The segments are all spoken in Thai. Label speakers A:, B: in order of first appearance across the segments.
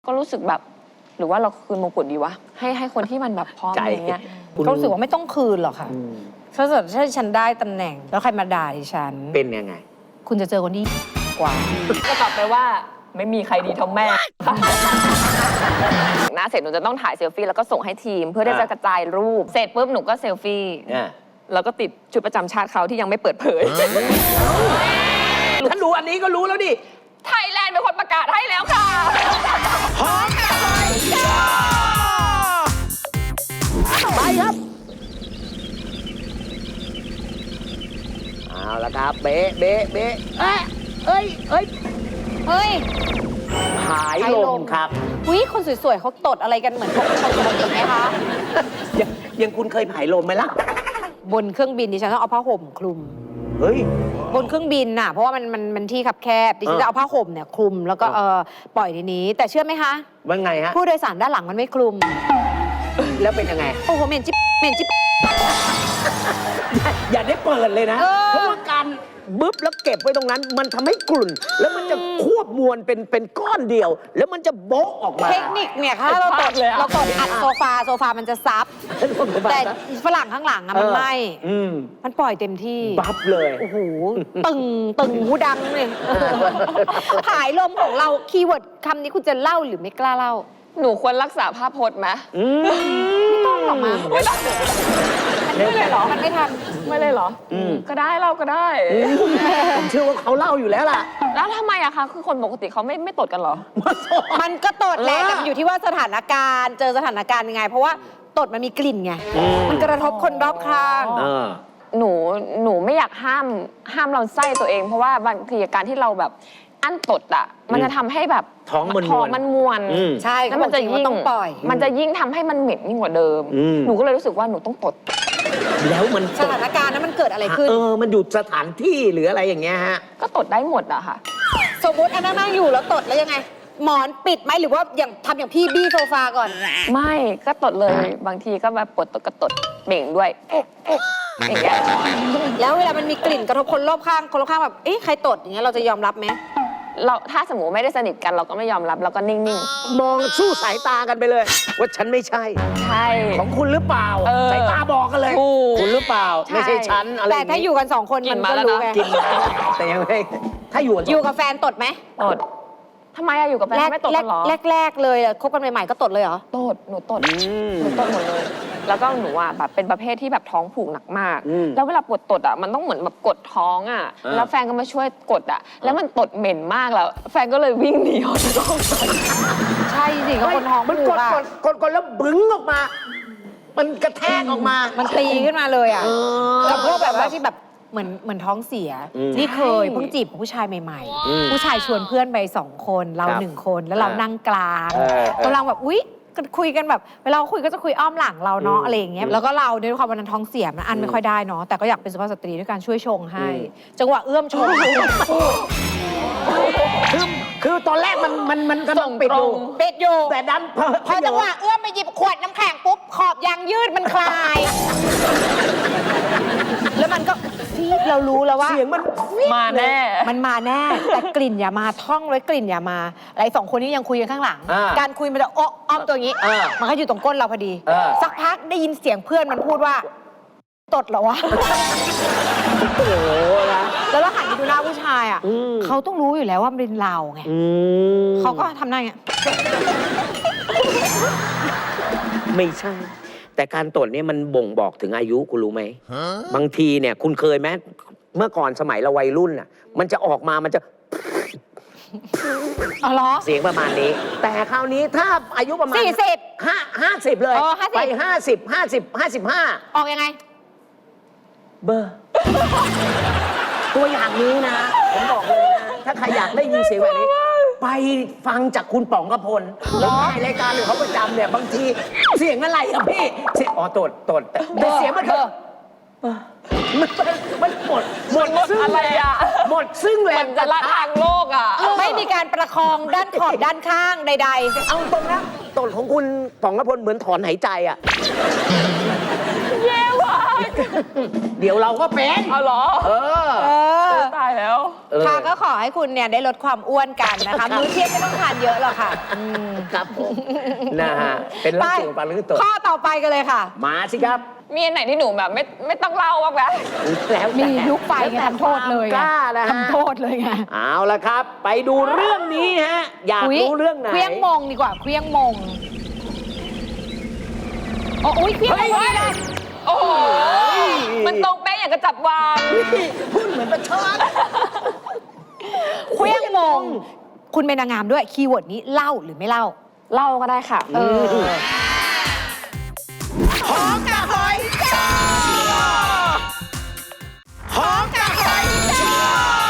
A: ก็รู้สึกแบบหรือว่าเราคืนมงกุฎดีวะให้คนที่มันแบบพร้อมอย่างเงี้ย
B: ก็รู้สึกว่าไม่ต้องคืนหรอกค่ะถ้าเกิดฉันได้ตำแหน่งแล้วใครมาด่าดิฉัน
C: เป็นยังไง
B: คุณจะเจอคนที่กว่า
A: ก็ตอบไปว่าไม่มีใครดีเท่าแม่หน้าเสร็จหนูจะต้องถ่ายเซลฟี่แล้วก็ส่งให้ทีมเพื่อที่จะกระจายรูปเสร็จปุ๊บหนูก็เซลฟี่แล้วก็ติดชุดประจำชาติเขาที่ยังไม่เปิดเผย
C: ถ้ารู้อันนี้ก็รู้แล้วดิ
A: ไทยแลนด์เป็นคนประกาศให้แล้วค่ะ
C: พร้อมกันเลยไปครับเอาละครับเบ๊ะเบ๊ะเบ๊ะเอ้ยผายลมครับ
B: อุ้ยคนสวยๆเขาตดอะไรกันเหมือนคนปกติไหมคะ
C: ยังคุณเคยผายลมไหมล่ะ
B: บนเครื่องบินดิฉันต้องเอาผ้าห่มคลุม
C: เฮ้ย
B: บนเครื่องบินน่ะเพราะว่ามันที่คับแคบดิฉันจะเอาผ้าห่มเนี่ยคลุมแล้วก็ปล่อยในนี้แต่เชื่อไหมคะ
C: ว่าไงฮะ
B: ผู้โดยสารด้านหลังมันไม่คลุม
C: แล้วเป็นยังไง
B: โอ้โหเหม็นจิ๊บเหม็นจิ๊บ
C: อย่าได้เปิดเลยนะ เพราะว่าการบึ๊บแล้วเก็บไว้ตรงนั้น มันทำให้กลุ่น แล้วมันจะควบมวลเป็นก้อนเดียว แล้วมันจะโบ๊ะออกมา
B: เทคนิคเนี่ยค่ะเราตดอัดโซฟามันจะซับแต่ฝรั่งข้างหลังอะมันไม่มันปล่อยเต็มที่
C: บัฟเลย
B: โอ้โหตึงหูดังเลยผายลมของเราคีย์เวิร์ดคำนี้คุณจะเล่าหรือไม่กล้าเล่า
A: หนูควรรักษาภาพพจน์ไหม
B: ไม่ต้องหรอกมั้ง
A: ไม่ต้องไม่เลยเหรอ
B: มันไม่ทัน
A: ไม่เลยเหรอก็ได้เราก็ได้
C: ผมเชื่อว่าเขาเล่าอยู่แล้วล่ะ
A: แล้วทำไมอะคะคือคนปกติเขาไม่ตดกันเหรอ
B: มันก็ตดแหละแต่มันอยู่ที่ว่าสถานการณ์เจอสถานการณ์ยังไง เพราะว่าตดมันมีกลิ่นไงมันกระทบคนรอบข้าง
A: หนูไม่อยากห้ามเราไส้ตัวเอง เพราะว่าบางทีการที่เราแบบอั้นตดอ่ะมันจะทำให้แบบ
C: ท้องมัน
A: มวน
B: ใช่
A: แล้วมันจะยิ่ง
B: ต้องปล่อย
A: มันจะยิ่งทำให้มันเหม็นยิ่งกว่าเดิมหนูก็เลยรู้สึกว่าหนูต้องตด
C: แล้วมัน
B: สถานการณ์นั้นมันเกิดอะไรขึ้น
C: มันอยู่สถานที่หรืออะไรอย่างเงี้ยฮะ
A: ก็ตดได้หมดอะค่ะ
B: สมมติอันนั่งอยู่แล้วตดแล้วยังไง หมอนปิดไหมหรือว่าอย่างทำอย่างพี่บี้โซฟาก่อน
A: ไม่ก็ตดเลยบางทีก็แบบปวดตดก็ตดเบ่งด้วยอย่างเงี้ย
B: แล้วเวลามันมีกลิ่นกระทบคนรอบข้างแบบเอ๊ะใครตดอย่างเงี้ยเราจะยอมรับไหม
A: เราถ้าสมมติไม่ได้สนิทกันเราก็ไม่ยอมรับเราก็นิ่ง
C: ๆมองสู้สายตากันไปเลย ว่าฉันไม่ใช่
A: ใช่
C: ของคุณหรือเปล่าสายตาบอกกันเลยคุณหรือเปล่าไม่ใช่ฉันอะไร
B: แต่ถ้าอยู่กัน2 คนมันก็รู้ไง
C: กินแต่ยังไม่ถ้าอยู่
B: กับแฟนตดไหม
A: ตดทำไมอะอยู่กับแฟนไม่ตดกันหรอ
B: แรกเลยคบกันใหม่ๆก็ตดเลยเหรอ
A: ตดหนูตดหมดเลยแล้วก็หนูอ่ะแบบเป็นประเภทที่แบบท้องผูกหนักมากแล้วเวลาปวดตดอ่ะมันต้องเหมือนแบบกดท้องอ่ะแล้วแฟนก็มาช่วยกดอ่ะแล้วมันตดเหม็นมากแล้วแฟนก็เลยวิ่งหนีออกจากห้อง
B: ใช่สิก็คนท้อง
C: มันกดแล้วบึ้งออกมามันกระแทกออกมา
B: มันตีขึ้นมาเลยอ่ะแล้วพวกแบบว่าที่แบบเหมือนท้องเสียนี่เคยเพิ่งจีบผู้ชายใหม่ๆผู้ชายชวนเพื่อนไป2 คนเรา1 คนแล้วเรานั่งกลางกำลังแบบอุ๊ยคุยกันแบบเวลาคุยก็จะคุยอ้อมหลังเราเนาะอะไรอย่างเงี้ยแล้วก็เราด้วยความวันนั้นท้องเสียมันอันไม่ค่อยได้เนาะแต่ก็อยากเป็นสุภาพสตรีด้วยการช่วยชงให้จังหวะเอื้อมชง
C: คือตอนแรกมันกำลังปิดอยู่แต่ดัน
B: พอจังหวะเอื้อมไปหยิบขวดน้ำแข็งปุ๊บขอบยางยืดมันคลายแล้วมันก็เรารู้แล้วว่า
C: เสียงมัน
A: มาแน่
B: มันมาแน่แต่กลิ่นอย่ามาท่องไว้กลิ่นอย่ามาอะไร2 คนนี้ยังคุยกันข้างหลังการคุยมันจะอ้อมตัวอย่างนี้มันก็อยู่ตรงก้นเราพอดีสักพักได้ยินเสียงเพื่อนมันพูดว่าตดเหรอวะ
C: โอ้โห
B: แล้วเราหันไปดูหน้าผู้ชายอ่ะเขาต้องรู้อยู่แล้วว่ามันเป็นเราไงเขาก็ทำหน้าอย่างเงี้ย
C: ไม่ใช่แต่การตดเนี่ยมันบ่งบอกถึงอายุคุณรู้ไหมบางทีเนี่ยคุณเคยไหมเมื่อก่อนสมัยเราวัยรุ่นน่ะมันจะออกมามันจะเสียงประมาณนี้แต่คราวนี้ถ้าอายุประมาณ50เลยไป55อ
B: อกยังไง
C: เบอร์ตัวอย่างนี้นะผมบอกเลยนะถ้าใครอยากได้ยินเสียงแบบนี้ไปฟังจากคุณป๋องกพลแล้วในรายการหรือเขาประจำเนี่ยบางทีเสียงอะไรอะพี่เสียงตดแต่เสียงมันคือมันหมดซึ่ง
A: อะไรอะ
C: หมดซึ่งแรง
A: จะละทางโลกอะ
B: ไม่มีการประคองด้านขอบด้านข้างใดๆ
C: เอาตรงนะตดของคุณป๋องกพลเหมือนถอนหายใจอะ
A: เย้ว่ะ
C: เดี๋ยวเราก็เป็น
A: เอาเหรอ
C: เออ
A: ตายแล้ว
B: ค่ะก็ขอให้คุณเนี่ยได้ลดความอ้วนกันนะคะ มื้อเที่ยงไม่ต้องทานเยอะหรอกค่ะ
C: ครับผมนะฮะเป็นเรื่องสูงปลาลึกตัว
B: ข้อต่อไปกันเลยค่ะ
C: มาสิครับ
A: มีอันไหนที่หนูแบบไม่ต้องเล่าบ้างไหม
C: แล้วแต่
B: มียุคไปไงทำโทษเลยไง
C: กล้านะฮะ
B: ทำโทษเลยไง
C: เอาละครับ ไปดูเรื่องนี้ฮะ อยากรู้เรื่องไหน
B: เคลี้ยงมงดีกว่าเคลี้ยงมงโอ้ยเคลี้ยงมงเลย
A: โอ้โหมันตรงเป๊ะอย่างกระจับวาง
C: พูดเหมือนประชด
B: เคลี้ยงมง คุณเป็นนางงามด้วยคีย์เวิร์ดนี้เล่าหรือไม่เล่า
A: เล่าก็ได้ค่ะ
C: หอมกับหอยจ้าหอมกับหอยจ้า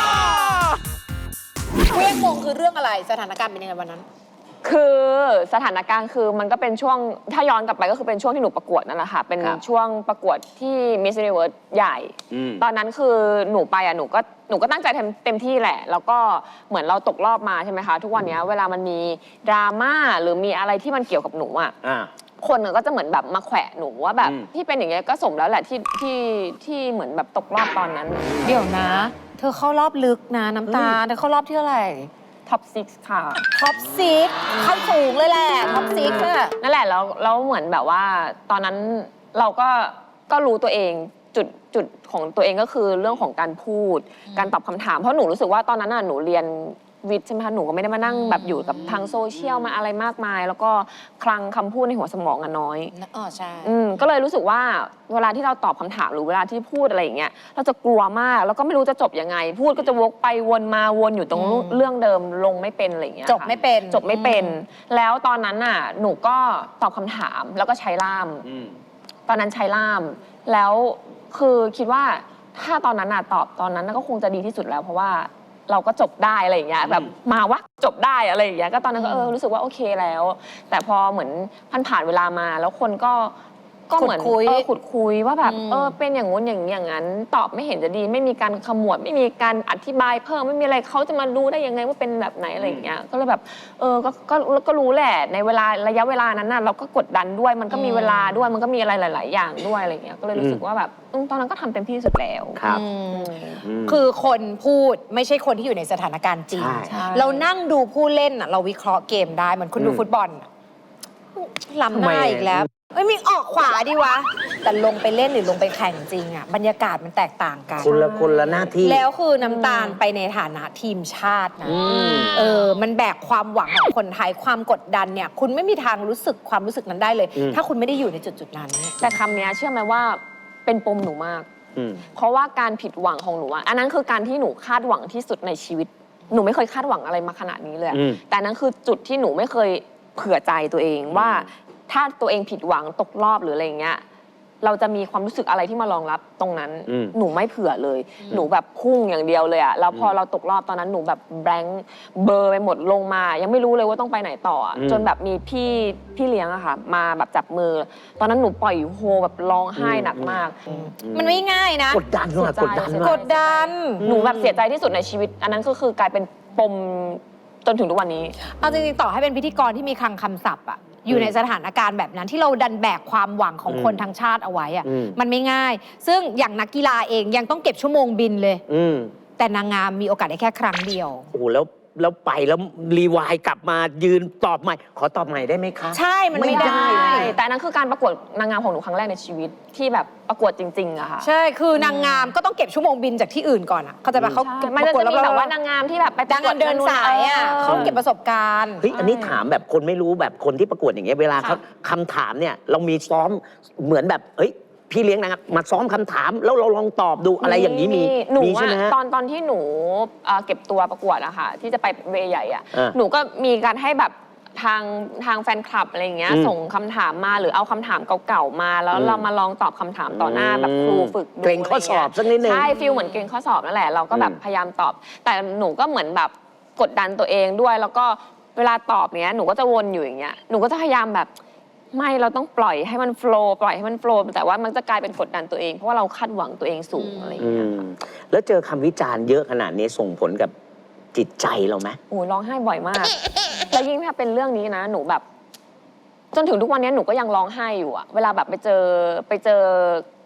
B: เคลี้ยงมงคือเรื่องอะไรสถานการณ์เป็นยังไงวันนั้น
A: คือสถานการณ์คือมันก็เป็นช่วงถ้าย้อนกลับไปก็คือเป็นช่วงที่หนูประกวดนั่นแหละค่ะเป็นช่วงประกวดที่ Miss Universe ใหญ่ ตอนนั้นคือหนูไปหนูก็ตั้งใจเต็มที่แหละ แล้วก็เหมือนเราตกรอบมาใช่ไหมคะทุกวันนี้เวลามันมีดราม่าหรือมีอะไรที่มันเกี่ยวกับหนูคนก็จะเหมือนแบบมาแขวะหนูว่าแบบที่เป็นอย่างเงี้ยก็สมแล้วแหละที่เหมือนแบบตกรอบตอนนั้น
B: เดี๋ยวนะ เธอเข้ารอบลึกนะน้ำตาลเธอเข้ารอบที่เท่าไหร่
A: ท็อป 6 ค่ะ
B: ท็อปซิกเข้าสูงเลยแหละท็อปซิกอะ
A: นั่นแหละแล้วเหมือนแบบว่าตอนนั้นเราก็รู้ตัวเองจุดของตัวเองก็คือเรื่องของการพูดการตอบคำถามเพราะหนูรู้สึกว่าตอนนั้นหนูเรียนวิทย์ใช่ไหมคะหนูก็ไม่ได้มานั่งแบบอยู่กับทางโซเชียลมาอะไรมากมาย แล้วก็คลังคำพูดในหัวสมองน้อย
B: อ๋อใช่
A: ก็เลยรู้สึกว่าเวลาที่เราตอบคำถามหรือเวลาที่พูดอะไรอย่างเงี้ยเราจะกลัวมากแล้วก็ไม่รู้จะจบยังไง พูดก็จะวกไปวนมาวนอยู่ตรงเรื่องเดิมลงไม่เป็นอะไรอย่างเงี้ย
B: จบไม่เป็น
A: จบไม่เป็น แล้วตอนนั้นหนูก็ตอบคำถามแล้วก็ใช้ล่าม ตอนนั้นใช้ล่าม แล้วคือคิดว่าถ้าตอนนั้นตอบตอนนั้นก็คงจะดีที่สุดแล้วเพราะว่าเราก็จบได้อะไรอย่างเงี้ยแบบมาวะจบได้อะไรอย่างเงี้ยก็ตอนนั้นก็รู้สึกว่าโอเคแล้ว แต่พอเหมือนผ่านเวลามาแล้วคนก็เหมือนขุดคุยว่าแบบเป็นอย่างงู้นอย่างนั้นตอบไม่เห็นจะดีไม่มีการขมวดไม่มีการอธิบายเพิ่มไม่มีอะไรเขาจะมารู้ได้ยังไงว่าเป็นแบบไหนอะไรอย่างเงี้ยก็เลยแบบก็รู้แหละในเวลาระยะเวลานั้นเราก็กดดันด้วยมันก็มีเวลาด้วยมันก็มีอะไรหลาย ๆ อย่างด้วยอะไรอย่างเงี้ยก็เลยรู้สึกว่าแบบตอนนั้นก็ทำเต็มที่สุดแล้ว
C: ครับ
B: คือคนพูดไม่ใช่คนที่อยู่ในสถานการณ์จริง
A: ใช่
B: เรานั่งดูผู้เล่นเราวิเคราะห์เกมได้เหมือนคุณดูฟุตบอลล้ำหน้าอีกแล้วมีออกขวาดีวะแต่ลงไปเล่นหรือลงไปแข่งจริงบรรยากาศมันแตกต่างกัน
C: คนละหน้าที่
B: แล้วคือน้ำตาลไปในฐานะทีมชาตินะมันแบกความหวังของคนไทยความกดดันเนี่ยคุณไม่มีทางรู้สึกความรู้สึกนั้นได้เลย ถ้าคุณไม่ได้อยู่ในจุดนั้น
A: แต่คำนี้เชื่อไหมว่าเป็นปมหนูมากเพราะว่าการผิดหวังของหนูอันนั้นคือการที่หนูคาดหวังที่สุดในชีวิตหนูไม่เคยคาดหวังอะไรมาขนาดนี้เลยแต่นั้นคือจุดที่หนูไม่เคยเผื่อใจตัวเองว่าถ้าตัวเองผิดหวังตกรอบหรืออะไรอย่างเงี้ยเราจะมีความรู้สึกอะไรที่มารองรับตรงนั้นหนูไม่เผื่อเลยหนูแบบพุ่งอย่างเดียวเลยแล้วพอเราตกรอบตอนนั้นหนูแบบแบงค์เบอร์ไปหมดลงมายังไม่รู้เลยว่าต้องไปไหนต่อจนแบบมีพี่เลี้ยงค่ะมาแบบจับมือตอนนั้นหนูปล่อยโฮแบบร้องไห้หนักมาก
B: มันไม่ง่ายนะ
C: กดดันว่ะกดดัน
A: หนูแบบเสียใจที่สุดในชีวิตอันนั้นก็คือกลายเป็นปมจนถึงทุกวันนี้
B: เอาจริงๆต่อให้เป็นพิธีกรที่มีคลังคำศัพท์อยู่ในสถานการณ์แบบนั้นที่เราดันแบกความหวังของคนทั้งชาติเอาไว้มันไม่ง่าย ซึ่งอย่างนักกีฬาเองยังต้องเก็บชั่วโมงบินเลยแต่นางงามมีโอกาสได้แค่ครั้งเดียว
C: โอ้โหแล้วไปแล้วรีวายกลับมายืนตอบใหม่ขอตอบใหม่ได้ไหมคะ
B: ใช่มันไม่ได้
A: แต่นั้นคือการประกวดนางงามของหนูครั้งแรกในชีวิตที่แบบประกวดจริงๆอะค่ะ
B: ใช่คือนางงามก็ต้องเก็บชั่วโมงบินจากที่อื่นก่อนเขาจะเขา
A: มันจะมีแบบว่านางงามที่แบบไปประกวด
B: เดินสายเขาเก็บประสบการณ์
C: เฮ้ยอันนี้ถามแบบคนไม่รู้แบบคนที่ประกวดอย่างเงี้ยเวลาเขาคำถามเนี่ยเรามีซ้อมเหมือนแบบพี่เลี้ยงนะครับมาซ้อมคำถามแล้วเราลองตอบดูอะไรอย่างนี้มีใช่ไหม
A: ตอนที่หนูเก็บตัวประกวดอะค่ะที่จะไปเวใหญ่อะหนูก็มีการให้แบบทางแฟนคลับอะไรอย่างเงี้ยส่งคำถามมาหรือเอาคำถามเก่าๆมาแล้วเรามาลองตอบคำถามต่อหน้าแบบครูฝึก
C: เกรงข้อสอบสักนิดนึง
A: ใช่ฟีลเหมือนเกรงข้อสอบนั่นแหละเราก็แบบพยายามตอบแต่หนูก็เหมือนแบบกดดันตัวเองด้วยแล้วก็เวลาตอบเนี้ยหนูก็จะวนอยู่อย่างเงี้ยหนูก็จะพยายามแบบไม่เราต้องปล่อยให้มันโฟล์ปล่อยให้มันโฟล์แต่ว่ามันจะกลายเป็นกดดันตัวเองเพราะว่าเราคาดหวังตัวเองสูงอะไรอย่างเงี้ย
C: แล้วเจอคำวิจารณ์เยอะขนาดนี้ส่งผลกับจิตใจเราไหม
A: โอ้ร้องไห้บ่อยมาก แล้วยิ่งถ้าเป็นเรื่องนี้นะหนูแบบจนถึงทุกวันนี้หนูก็ยังร้องไห้อยู่อะเวลาแบบไปเจอค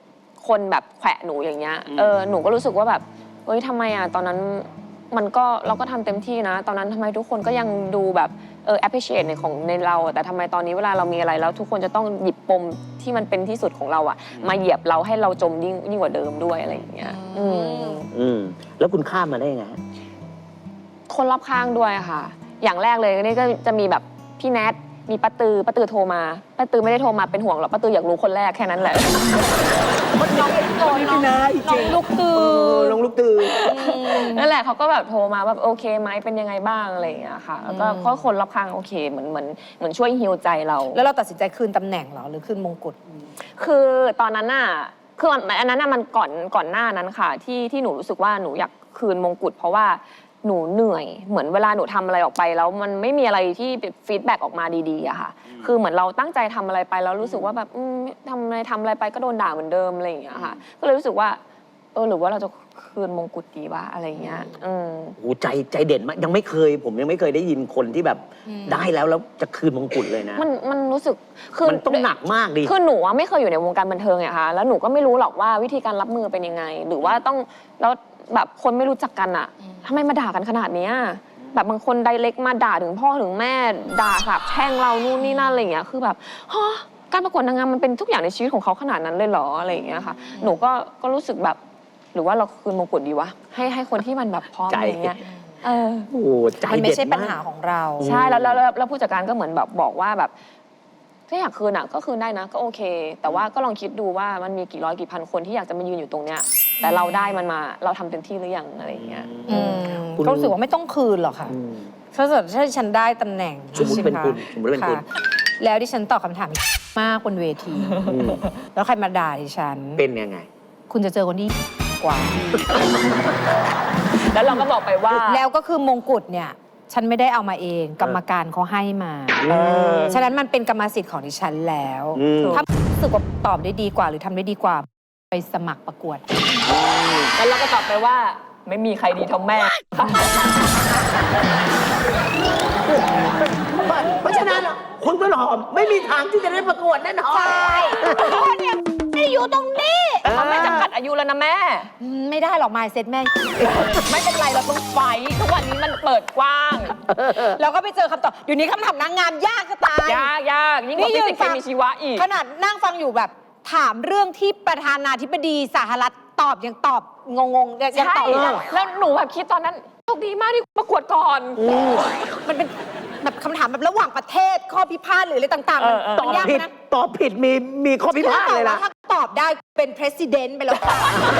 A: คนแบบแขวะหนูอย่างเงี้ยหนูก็รู้สึกว่าแบบเฮ้ยทำไมอ่ะตอนนั้นเราก็ทำเต็มที่นะตอนนั้นทำไมทุกคนก็ยังดูแบบappreciate ในเราแต่ทำไมตอนนี้เวลาเรามีอะไรแล้วทุกคนจะต้องหยิบปมที่มันเป็นที่สุดของเราอ่ะมาเหยียบเราให้เราจมยิ่งกว่าเดิมด้วยอะไรอย่างเงี้ย
C: แล้วคุณข้ามมาได้ยังไง
A: คนรอบข้างด้วยค่ะอย่างแรกเลยนี่ก็จะมีแบบพี่แนทมีป้าตือโทรมาป้าตือไม่ได้โทรมาเป็นห่วงหรอกป้าตืออยากรู้คนแรกแค่นั้นแหละน้องลูกตือ
C: น้องลูกตือ
A: นั่นแหละเขาก็แบบโทรมาแบบโอเคไหมเป็นยังไงบ้างอะไรอย่างเงี้ยค่ะแล้วก็คนรอบข้างโอเคเหมือนช่วยฮีลใจเรา
B: แล้วเราตัดสินใจคืนตำแหน่งเหรอหรือคืนมงกุฎ
A: คือตอนนั้นน่ะคืออันนั้นน่ะมันก่อนหน้านั้นค่ะที่หนูรู้สึกว่าหนูอยากคืนมงกุฎเพราะว่าหนูเหนื่อยเหมือนเวลาหนูทำอะไรออกไปแล้วมันไม่มีอะไรที่ฟีดแบ็กออกมาดีๆอะค่ะคือเหมือนเราตั้งใจทำอะไรไปแล้วรู้สึกว่าแบบทำอะไรไปก็โดนด่าเหมือนเดิมอะไรอย่างเงี้ยค่ะก็เลยรู้สึกว่าหรือว่าเราจะคืนมงกุฎดีวะอะไรเงี้ย
C: โอ้ใจเด่นมากผมยังไม่เคยได้ยินคนที่แบบได้แล้วจะคืนมงกุฎเลยนะ
A: มันรู้สึกคือ
C: มันต้องหนักมากดิ
A: คือหนูไม่เคยอยู่ในวงการบันเทิงไงคะแล้วหนูก็ไม่รู้หรอกว่าวิธีการรับมือเป็นยังไงหรือว่าต้องแล้วแบบคนไม่รู้จักกันอะทำไมมาด่ากันขนาดนี้แบบบางคนไดเรกมาด่าถึงพ่อถึงแม่ด่าสาบแช่งเรานู่นนี่นั่นอะไรอย่างเงี้ยคือแบบฮะการประกวดนางงามมันเป็นทุกอย่างในชีวิตของเขาขนาดนั้นเลยเหรออะไรอย่างเงี้ยค่ะหนูก็รู้สึกแบบหรือว่าเราคืนมงกุฎดีวะให้คนที่มันแบบพร้อมอะไรเงี้ย
C: โอ้ใจ
B: มันไม่ใช่ปัญหาของเรา
A: ใช่แล้วผู้จัดการก็เหมือนแบบบอกว่าแบบถ้าอยากคืนอ่ะก็คืนได้นะก็โอเคแต่ว่าก็ลองคิดดูว่ามันมีกี่ร้อยกี่พันคนที่อยากจะมายืนอยู่ตรงเนี้ยแต่เราได้มันมาเราทำเต็มที่หรือยังอะไรอย่างเงี้ย
B: ก็รู้สึกว่าไม่ต้องคืนหรอกค่ะถ้าเกิดฉันได้ตำแหน่ง
C: สมมติเป็นคุณ
B: แล้วดิฉันตอบคำถามมากบนเวทีแล้วใครมาด่าดิฉัน
C: เป็นยังไง
B: คุณจะเจอคนที่กว่า
A: แล้วเราก็บอกไปว่า
B: แล้วก็คือมงกุฎเนี่ยฉันไม่ได้เอามาเองกรรมการเขาให้มาฉะนั้นมันเป็นกรรมสิทธิ์ของดิฉันแล้วถ้ารู้สึกว่าตอบได้ดีกว่าหรือทำได้ดีกว่าไปสมัครประกวด
A: แล้วเราก็ตอบไปว่าไม่มีใครดีเท่าแม่
C: เพราะฉะนั้นคุณต้นหอมไม่มีทางที่จะได้ประกวดแน่นอน
B: ใช่พ่อเนี่ยไม่อยู่ตรงนี้
A: เขาไม่จำกัดอายุแล้วนะแม่
B: ไม่ได้หรอกมายเซ็ตแม่
A: ไม่เป็นไรเราต้องไฟทุกวันนี้มันเปิดกว้าง
B: เราก็ไปเจอคำตอบอยู่นี้คำถามนางงามยากจะตาย
A: ยากยิ่งกว่าฟิสิกส์เคมีชีวะอีก
B: ขนาดนั่งฟังอยู่แบบถามเรื่องที่ประธานาธิบดีสหรัฐตอบยังตอบงงยังตอบ
A: แล้วหนูแบบคิดตอนนั้นโชคดีมากที่ประกวดก่อน
B: มันเป็นแบบคำถามแบบระหว่างประเทศข้อพิพาทหรืออะไรต่างๆ
C: มันยากนะตอบผิดมีข้อพิพาทเลยนะ
B: ถ้าตอบได้เป็น president ไปแล้ว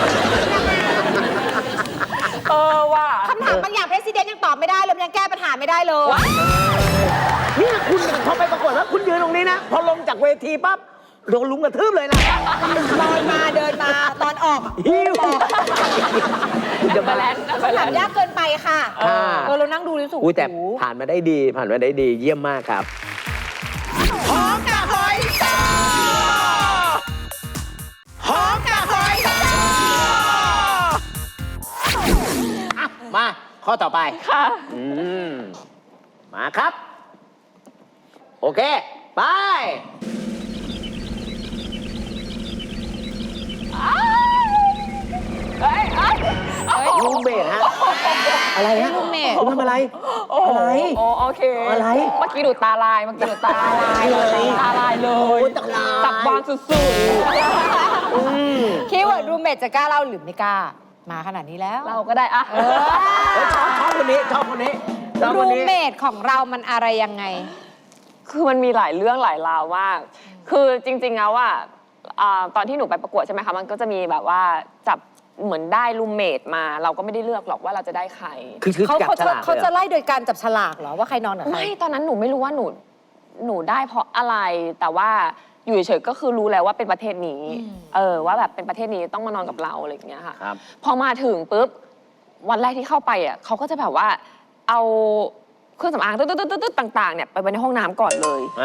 A: ว่า
B: คำถามบางอย่าง president ยังตอบไม่ได้เลยยังแก้ปัญหาไม่ได้เลย
C: นี่คุณพอไปประกวดแล้วคุณยืนตรงนี้นะพอลงจากเวทีปั๊บโดนลุงกระทืบเลยนะ
B: ลอยมาเดินมาตอนออก
C: หิว
B: คำถามยากเกินไปค่ะเรานั่งดูรู้สึก
C: แต่ผ่านมาได้ดีเยี่ยมมากครับหอมกับหอยซอหอมกับหอยซอมาข้อต่อไป
A: ค่ะ
C: มาครับโอเคไปลูกเบสฮะอะไรฮะ
B: ลูกเบส
C: ทำอะไรอะไร
A: โอเค
C: อะไร
A: เมื่อกี้ดูตาลายตาลายเลยจับบางสุด
B: ๆคีย์เวิร์ดรูมเมทจะกล้าเล่าหรือไม่กล้ามาขนาดนี้แล้ว
A: เราก็ได้อะ
C: ชอบคนนี้
B: รูมเมทของเรามันอะไรยังไง
A: คือมันมีหลายเรื่องหลายราวมากคือจริงๆแล้วว่าตอนที่หนูไปประกวดใช่ไหมคะมันก็จะมีแบบว่าจับเหมือนได้รูมเมทมาเราก็ไม่ได้เลือกหรอกว่าเราจะได้ใคร
B: เขาจะไล่โดยการจับฉลากเหรอว่าใครนอนกับใคร
A: ไม่ตอนนั้นหนูไม่รู้ว่าหนูได้เพราะอะไรแต่ว่าอยู่เฉยๆก็คือรู้แล้วว่าเป็นประเทศนี้ว่าแบบเป็นประเทศนี้ต้องมานอนกับเราอะไรอย่างเงี้ยค่ะพอมาถึงปุ๊บวันแรกที่เข้าไปอ่ะเขาก็จะแบบว่าเอาเครื่องสำอางตึ๊ดๆต่างๆเนี่ยไปไว้ในห้องน้ำก่อนเลย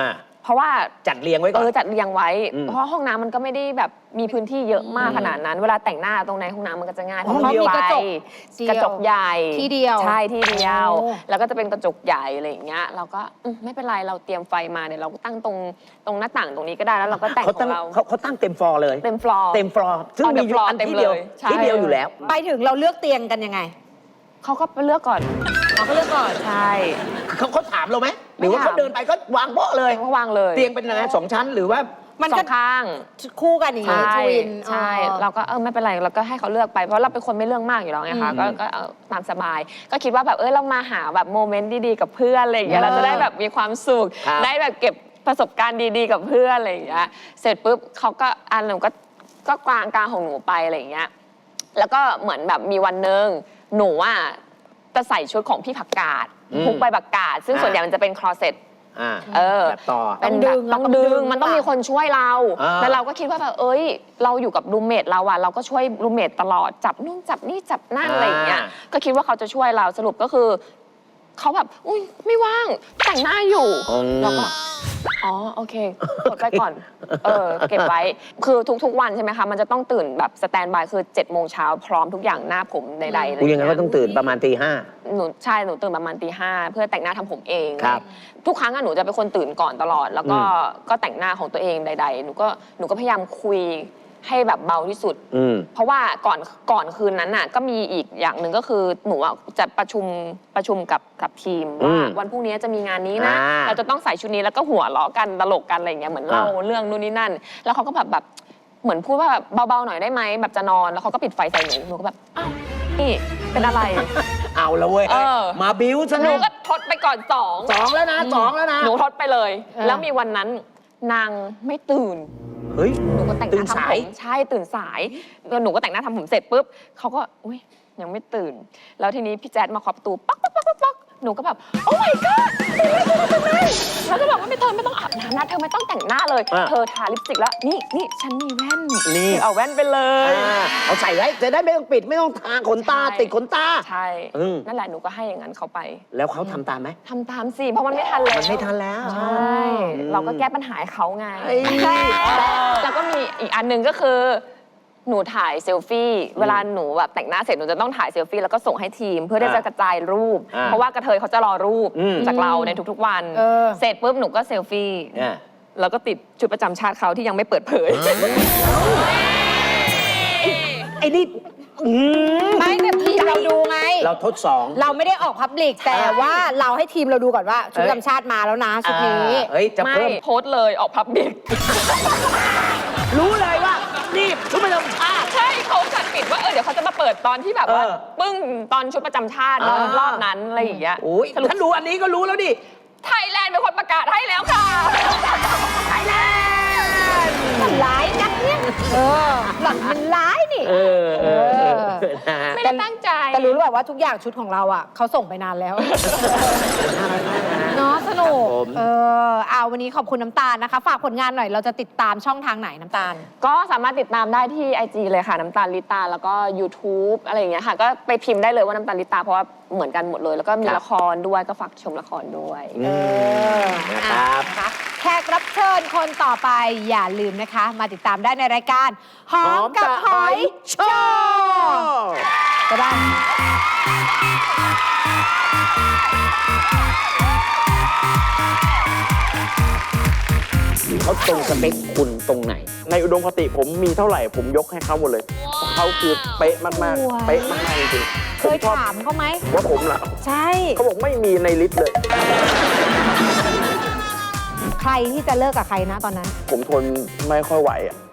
A: เพราะว่า
C: จัดเรียงไว้ก่อน
A: จัดเรียงไว้
C: อืม
A: เพราะห้องน้ำมันก็ไม่ได้แบบมีพื้นที่เยอะมากขนาดนั้น เวลาแต่งหน้าตรงในห้องน้ำมันก็จะง่ายเพราะ
B: ห้องเดียว
A: มีกระจก
B: เดียว
A: กระจกใหญ่
B: ที่เดียว
A: ใช่ที่เดียว
B: โอ้
A: แล้วก็จะเป็นกระจกใหญ่อะไรอย่างเงี้ยเราก็ไม่เป็นไรเราเตรียมไฟมาเนี่ยเราก็ตั้งตรงหน้าต่างตรงนี้ก็ได้แล้วเราก็แต่ง
C: เขา
A: ข
C: ตั้
A: อง งเรา
C: เขาตั้งเต็มฟลอร์เลย
A: เต็มฟลอร์
C: เต็มฟลอร์ซึ่ง
A: เอา
C: มีอยู่
A: floor
C: อัน
A: เต็ม
C: ที่เดียว
A: เลยใช่
C: ที่เดียวอยู่แล้ว
B: ไปถึงเราเลือกเตียงกันยังไง
A: เขาก็ไปเลือกก่อน
B: เราก็เลือกก่อน
A: ใช่
C: เขาถามเราไหมหรือว่า
A: ไม่ถาม
C: เขาเดินไปก็วางโป๊ะเลย
A: เขาวางเลย
C: เตียงเป็นยังไงสองชั้นหรือว่า
B: มัน
A: สอ
B: ก็
A: งข้าง
B: คู่กันอย่าง
A: ใช่
B: งี้ทวิน
A: ใช่
B: อ๋อ
A: เราก็ไม่เป็นไรเราก็ให้เขาเลือกไปเพราะเราเป็นคนไม่เรื่องมากอยู่แล้วไงคะ
C: อืม
A: ก็ตามสบาย ก็คิดว่าแบบเรามาหาแบบโมเมนต์ดีๆกับเพื่อนอะไรอย่างเงี้ยเราจะได้แบบมีความสุข
C: ครับ
A: ได้แบบเก็บประสบการณ์ดีๆกับเพื่อนอะไรอย่างเงี้ยเสร็จปุ๊บเขาก็หนูก็กลางของหนูไปอะไรอย่างเงี้ยแล้วก็เหมือนแบบมีวันหนึ่งหนูจะใส่ชุดของพี่ผักกาดพุกใบผักกาดซึ่งส่วนใหญ่มันจะเป็นคลอเซ็ต แบบต่อ
B: ต้องดึง
A: ต้องดึงมันต้องมีคนช่วยเรา
C: อ่า
A: แล้วเราก็คิดว่าแบบเราอยู่กับรูมเมทเราเราก็ช่วยรูมเมทตลอดจับนู่นจับนี่จับนั่นอะไรอย่างเงี้ยก็คิดว่าเขาจะช่วยเราสรุปก็คือเขาแบบอุ้ยไม่ว่างแต่งหน้าอยู่เราก็โอเคกดไปก่อนเก็บไว้คือทุกๆวันใช่ไหมคะมันจะต้องตื่นแบบสแตนบายคือ7 โมงเช้าพร้อมทุกอย่างหน้าผมใดๆอะไร
C: กูยังไงก็ต้องตื่นประมาณตี 5
A: หนูตื่นประมาณตี 5เพื่อแต่งหน้าทำผมเอง
C: ครับ
A: ทุกครั้งหนูจะเป็นคนตื่นก่อนตลอด แล้วก็แต่งหน้าของตัวเองใดๆหนูก็พยายามคุยให้แบบเบาที่สุด เพราะว่าก่อนคืนนั้นก็มีอีกอย่างหนึ่งก็คือหนูจะประชุมกับทีมว่าวันพรุ่งนี้จะมีงานนี้นะ เราจะต้องใส่ชุดนี้แล้วก็หัวเราะกันตลกกันอะไรอย่างเงี้ยเหมือนเล่าเรื่องนู่นนี่นั่น แล้วเขาก็แบบเหมือนพูดว่าแบบเบาๆหน่อยได้ไหมแบบจะนอนแล้วเขาก็ปิดไฟใส่หนูก็แบบอ้าวนี่เป็นอะไร
C: เอาแล้วเว้ย มาบิ้วซะ
A: หนู
C: แล้ว
A: ก็ทดไปก่อน2
C: 2 แล้วนะ 2 แล้วนะ
A: หนูทดไปเลย แล้วมีวันนั้นนางไม่ตื่น
C: เฮ้ย
A: หนูก็แต่งห
C: ตื่
A: น้าน
C: สา
A: ทำผ
C: ย
A: มใช่ตื่นสายแล้วหนูก็แต่งหน้าทำผมเสร็จปุ๊บเขาก็อุ้ยยังไม่ตื่น แล้วทีนี้พี่แจ๊ดมาเคาะประตูป๊อกป๊อกป๊อกป๊อกป๊อกหนูก็แบบโอ้ my god แล้วก็บอกว่าเธอไม่ต้องอาบน้ำนะเธอไม่ต้องแต่งหน้าเลย เธอทาลิปสติกแล้วนี่ฉันมีแว่น
C: นี่
A: เอาแว่นไปเลย
C: เอาใส่ไว้จะได้ไม่ต้องปิดไม่ต้องทาขนตา
A: ใช่
C: ติดขนตา
A: ใช่ นั่นแหละหนูก็ให้อย่างนั้นเขาไป
C: แล้วเขาทำตามไหม
A: ทำตามสิเพราะมันไม่ทันแล้ว
C: มันไม่ทันแล้ว
A: ใช่เราก็แก้ปัญหาให้เขาไง
C: เอ้ย
A: แล้วก็มีอีกอันหนึ่งก็คือ หนูถ่ายเซลฟี่ เวลาหนูแบบแต่งหน้าเสร็จหนูจะต้องถ่ายเซลฟี่แล้วก็ส่งให้ทีม เพื่อที่จะกระจายรูป เพราะว่ากระเทยเขาจะรอรูปจากเราในทุกๆวัน เสร็จปุ๊บหนูก็เซลฟี่ แล้วก็ติดชุดประจำชาติเขาที่ยังไม่เปิดเผย
C: ไอ้นี่
B: ไม่แต่ทีมเราดูไง
C: เราทดสอง
B: เราไม่ได้ออกพับลิกแต่ว่าเราให้ทีมเราดูก่อนว่าชุดประจำชาติมาแล้วนะชุดนี้
C: เฮ้ยจะ
A: ไม่
C: เพิ่ม
A: โพสต์เลยออกพับบิก
C: รู้เลยว่านี่ชุดประจำชาติ
A: ใช่เขาจัดปิดว่าเดี๋ยวเขาจะมาเปิดตอนที่แบบว่า
C: เออ
A: ปึ้งตอนชุดประจำชาติรอบนั้นอะไรอย่างเงี้ย
C: โอ้ย
A: สรุป
C: ถ้ารู้อันนี้ก็รู้แล้วดิ
A: ไทยแลนด์เป็นคนประกาศให้แล้วค่ะ
C: ไทยแลนด์
B: มันร้ายนักเนี่ยหล่อนมันร้ายนี่
C: นะฮะ
A: ไม่ได้ตั้งใจ
B: แต่รู้หรือเปล่าว่าทุกอย่างชุดของเราเขาส่งไปนานแล้วเนาะสนุกเอาวันนี้ขอบคุณน้ำตาลนะคะ ฝากผลงานหน่อยเราจะติดตามช่องทางไหนน้ำตาล
A: ก็สามารถติดตามได้ที่ IG เลยค่ะน้ำตาลลิตาแล้วก็ YouTube อะไรอย่างเงี้ยค่ะ ก็ไปพิมพ์ได้เลยว่าน้ำตาลลิตาเพราะว่าเหมือนกันหมดเลย แล้วก็มีละครด้วยก็ฝากชมละครด้วย
C: นะครับ
B: นะคะแขกรับเชิญคนต่อไปอย่าลืมนะคะ มาติดตามได้ในรายการหอมกับหอยโชว์ก็ได้
C: เขาตรงสเปคคุณตรงไหน
D: ในอุดมคติผมมีเท่าไหร่ผมยกให้เขาหมดเลยเพราะเขาคือเป๊ะมากๆ เป๊ะมากๆจริงๆ
B: เค
D: ผม
B: ย
D: ชอบ
B: ถามเขาไหม
D: ว่าผมล่ะ
B: ใช่
D: เขาบอกไม่มีในลิสต์เลย
B: ใครที่จะเลิกกับใครนะตอนนั้น
D: ผมทนไม่ค่อยไหวอะ